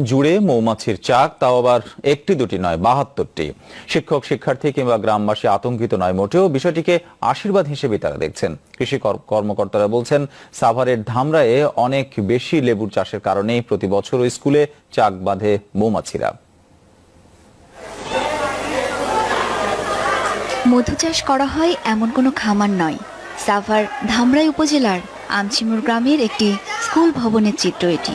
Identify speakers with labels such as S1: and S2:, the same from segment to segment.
S1: জুড়ে মৌমাছির চাক, তাও আবার একটি দুটি নয়, ৭২টি। শিক্ষক, শিক্ষার্থী কিংবা গ্রামবাসী আতঙ্কিত নয় মোটেও, বিষয়টিকে আশীর্বাদ হিসেবে তারা দেখছেন। কৃষি কর্মকর্তারা বলছেন, সাভারের ধামরায়ে অনেক বেশি লেবুর চাষের কারণেই প্রতি বছর স্কুলে চাক বাঁধে মৌমাছিরা।
S2: মধু চাষ করা হয় এমন কোনো খামার নয়। সাভার ধামরাই উপজেলার আমচিমুর গ্রামের একটি স্কুল ভবনের চিত্র এটি।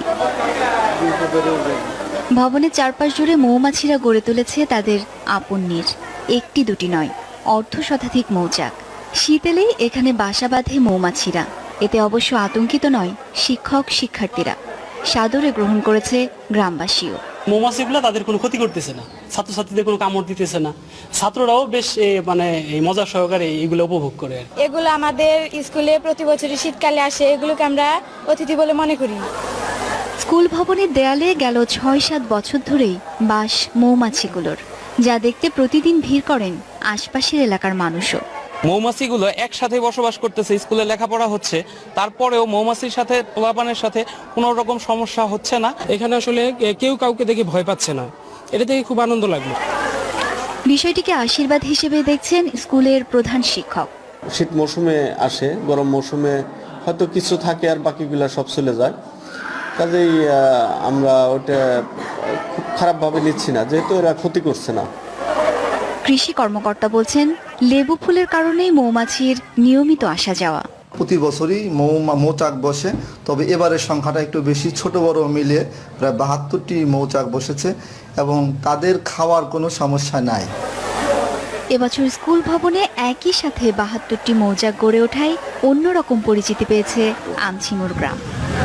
S2: ভবনের চারপাশ জুড়ে মৌমাছিরা গড়ে তুলেছে তাদের আপন নীড়। একটি দুটি নয়, অর্ধশতাধিক মৌচাক। শীত এলেই এখানে বাসা বাঁধে মৌমাছিরা। এতে অবশ্য আতঙ্কিত নয় শিক্ষক, শিক্ষার্থীরা। সাদরে গ্রহণ করেছে গ্রামবাসীও।
S3: মৌমাছিগুলো তাদের কোনো ক্ষতি করতেছে না, ছাত্রছাত্রীদের কোনো কামড় দিতেছে না। ছাত্ররাও বেশ মজা সহকারে এগুলো উপভোগ করে।
S4: এগুলো আমাদের স্কুলে প্রতি বছরই শীতকালে আসে, এগুলোকে আমরা অতিথি বলে মনে করি।
S2: স্কুল ভবনের দেয়ালে গেল ৬-৭ বছর ধরেই বাস মৌমাছিগুলোর, যা দেখতে প্রতিদিন ভিড় করেন আশপাশের এলাকার মানুষও।
S5: মৌমাছিগুলো একসাথে বসবাস করতেছে, স্কুলে লেখাপড়া হচ্ছে, তারপরেও মৌমাছির সাথে পোলাপানের সাথে কোনো রকম সমস্যা হচ্ছে না।
S6: এখানে আসলে কেউ কাউকে দেখে ভয় পাচ্ছে না, এটা দেখে খুব আনন্দ লাগলো।
S2: বিষয়টিকে আশীর্বাদ হিসেবে দেখছেন স্কুলের প্রধান শিক্ষক।
S7: শীত মৌসুমে আসে, গরম মৌসুমে হয়তো কিছু থাকে আর বাকিগুলো সব চলে যায়। কাজেই আমরা ওটা খুব খারাপভাবে নিচ্ছি না, যেহেতু এরা ক্ষতি করছে না।
S2: কৃষি কর্মকর্তা বলছেন, লেবু ফুলের কারণেই মৌমাছির নিয়মিত আসা যাওয়া।
S8: প্রতি বছরই মৌচাক বসে, তবে এবারের সংখ্যাটা একটু বেশি, ছোট বড় মিলে প্রায় ৭২টি মৌচাক বসেছে এবং তাদের খাওয়ার কোনো সমস্যা নাই।
S2: এবছর স্কুল ভবনে একই সাথে ৭২টি মৌচাক গড়ে ওঠায় অন্যরকম পরিচিতি পেয়েছে আমচিমুর গ্রাম।